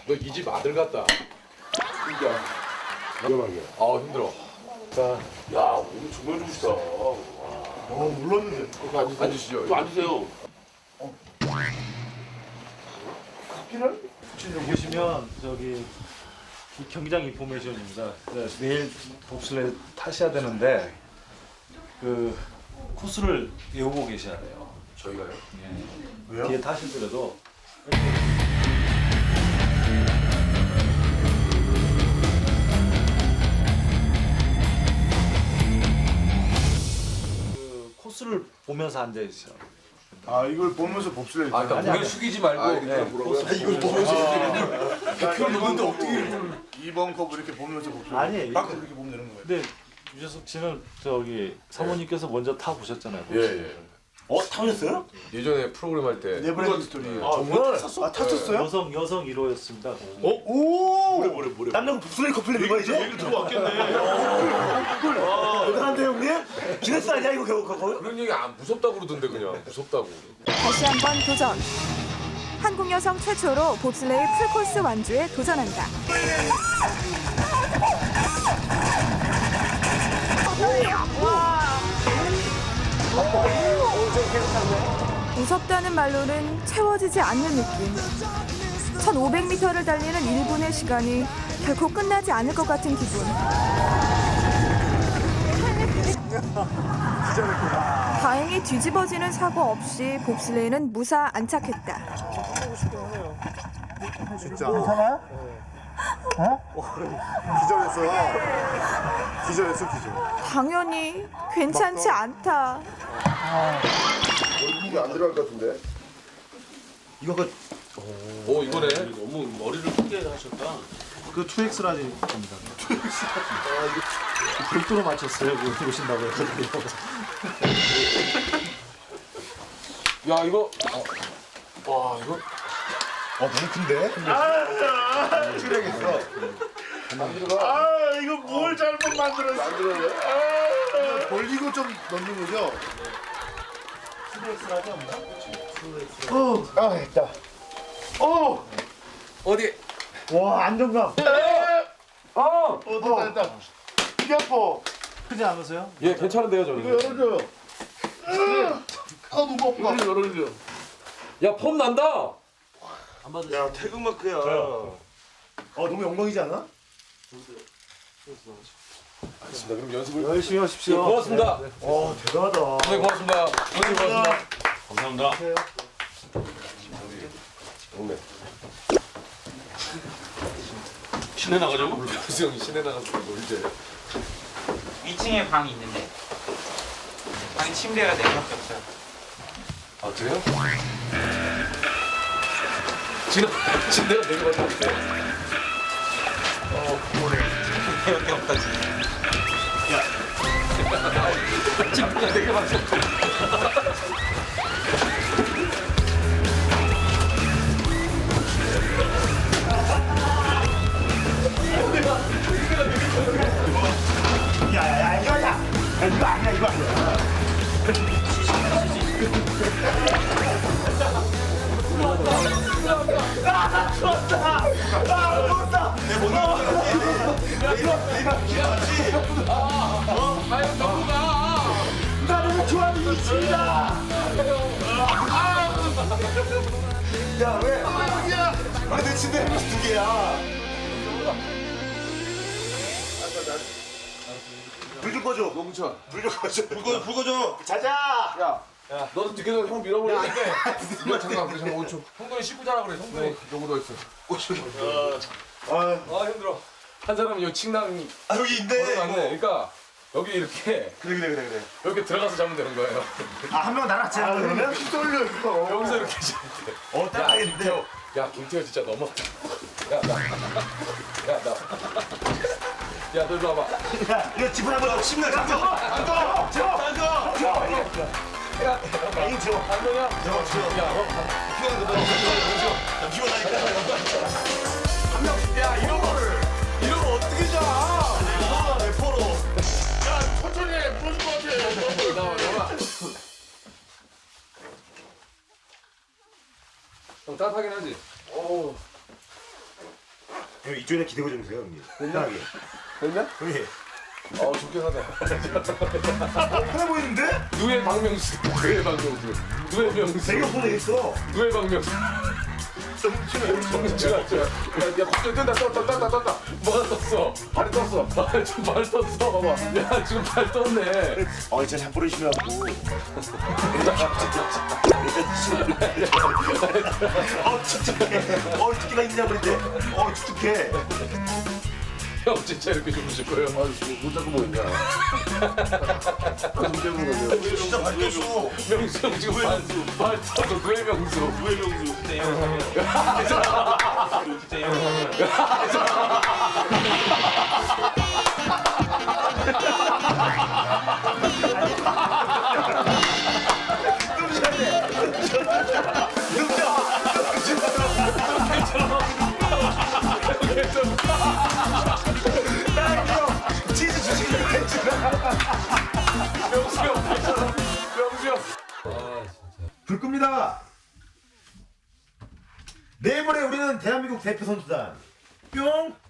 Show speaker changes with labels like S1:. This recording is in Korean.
S1: 너 이 집 아들 같다.
S2: 진짜 위험하게.
S1: 아 힘들어.
S2: 자,
S3: 야, 오늘 정말 좋으시다.
S2: 물렀는데.
S1: 앉으시죠.
S3: 또 앉으세요.
S2: 커피는?
S4: 보시면 저기 이 경기장 인포메이션입니다. 내일 봅슬레이 타셔야 되는데 그 코스를 외우고 계셔야 돼요.
S1: 저희가요?
S2: 왜요?
S4: 뒤에 타시더라도 그 코스를 보면서 앉아 있어요.
S2: 아, 이걸 보면서 봅슬레이.
S1: 아 그러니까 고개
S4: 아니.
S1: 숙이지 말고.
S4: 네,
S2: 이걸 보면서.
S1: 표를 놓는데 어떻게?
S2: 2번 컵 이렇게 보면서 봅슬레이.
S4: 아니,
S2: 딱 이렇게 보면 되는 거예요.
S4: 근데 유재석 씨는 저기 사모님께서 먼저 타 보셨잖아요.
S1: 예.
S3: 타셨어요?
S1: 예전에 프로그램 할 때.
S2: 네버랜드 스토리.
S3: 정말
S2: 아, 탔었어요?
S4: 여성 1호였습니다.
S2: 오!
S3: 남자가 북슬레이 커플레이 이거 이제? 얘기 들어왔겠네. 대단한데 형님? 기네스 아니야 이거 거의?
S1: 그런 얘기 안 무섭다고 그러던데 그냥 무섭다고.
S5: 다시 한번 도전. 한국 여성 최초로 봅슬레이 풀코스 완주에 도전한다. 무섭다는 말로는 채워지지 않는 느낌. 1500m를 달리는 1분의 시간이 결코 끝나지 않을 것 같은 기분. 다행히 뒤집어지는 사고 없이 봅슬레이는 무사 안착했다.
S2: 진짜. 괜찮아요? 기절했어. 기절.
S5: 당연히 괜찮지 않다.
S2: 이게 안 들어갈 것 같은데.
S3: 이거가
S1: 오 이거네.
S3: 너무 머리를 크게 하셨다.
S4: 그 2X라지입니다. 별도로 맞췄어요. 그거 보신다고 해서.
S1: 야 이거. 와 이거.
S2: 너무 큰데? 치레겠어.
S3: 이거 뭘 잘못 만들었어?
S2: 돌리고 좀 넣는 거죠? 됐다.
S1: 어디?
S3: 와 안정감.
S2: 됐다. 이게 아파.
S4: 크지 않으세요?
S1: 예 괜찮은데요 저는.
S2: 열어줘요. 너무 아파.
S3: 열어주세요.
S1: 야 폼 난다.
S3: 야 태극마크야.
S2: 너무 영광이지 않아?
S1: 알겠습니다. 그럼 연습을
S4: 열심히
S1: 예,
S4: 하십시오.
S1: 고맙습니다.
S3: 대단하다.
S1: 선생님 고맙습니다. 선생님 고맙습니다.
S3: 감사합니다.
S1: 오네.
S3: 시내 나가자고?
S1: 교수 형이 시내 나가서 놀재.
S6: 2층에 방이 있는데 방이 침대가 4개밖에 없어요.
S1: 아 그래요? 지금 내가 되게 많은데.
S6: 4개밖에 없다지.
S1: 침대가 되게 많어.
S3: 야야야 이거 아니야. 이거 아니야 이거 아니야. 나를 좋아하는 이치다. 야 왜? 내 침대 두 개야. 불 좀 꺼줘.
S1: 농천.
S3: 불 좀 꺼줘. 불 꺼줘. 자자.
S1: 야 너도 늦게 되면 형 밀어버리는데. 야 잠깐 우리 잠깐 5초. 형돈이 씻고자라 그래. 형돈이 여기도 있어. 아 힘들어. 한 사람은 요 침낭
S3: 여기 있네.
S1: 걸어놨네. 그러니까 여기 이렇게
S3: 그래.
S1: 이렇게 들어가서 자면 되는 거예요.
S3: 한 명 나랑 같이 하는 거면?
S2: 떨려 이거.
S1: 여기서 이렇게 자면 돼.
S3: 딱하겠는데.
S1: 야 김태호 진짜 너무하다. 야 너 일로 와봐.
S3: 야, 이거 지분 한번 침대 잠깐. 앉아. 이거 줘.
S1: 안녕이야.
S3: 피곤한 거 봐. 피곤하니까.
S1: 한 명씩. 야 이런 거 어떻게 자?
S3: 래퍼로.
S1: 천천히 해. 부러질 것 같아. 나와. 형 따뜻하긴 하지. 오.
S3: 형 이쪽에 기대고 좀 주세요 형님. 편하게.
S1: 됐냐?
S3: 형님.
S1: 좋게 사네.
S3: 편해 보이는데?
S1: 누에 박명수. 누에 박명수. 누에 명수.
S3: 되게 없어 되겠어.
S1: 누에 박명수. 정치가 야 갑자기 떴다. 뭐가 떴어? 발이 떴어. 발 떴어. 봐봐. 야 지금 발 떴네.
S3: 진짜 잘 부르시려고. 축축해. 축축해가 있냐 그런데. 축축해.
S1: 형 진짜 이렇게 주무실 거예요? 못 잡고 뭐 있냐? 좀 때문에 거죠.
S3: 진짜 발 떴어.
S1: 명수 형 지금 발 떴어. 누에 명수.
S6: 진짜 형. 진짜 형.
S3: 치즈 주시기
S1: 명수 형 발처럼. 명수 형.
S3: 불 끕니다. 내일모레 우리는 대한민국 대표 선수단 뿅.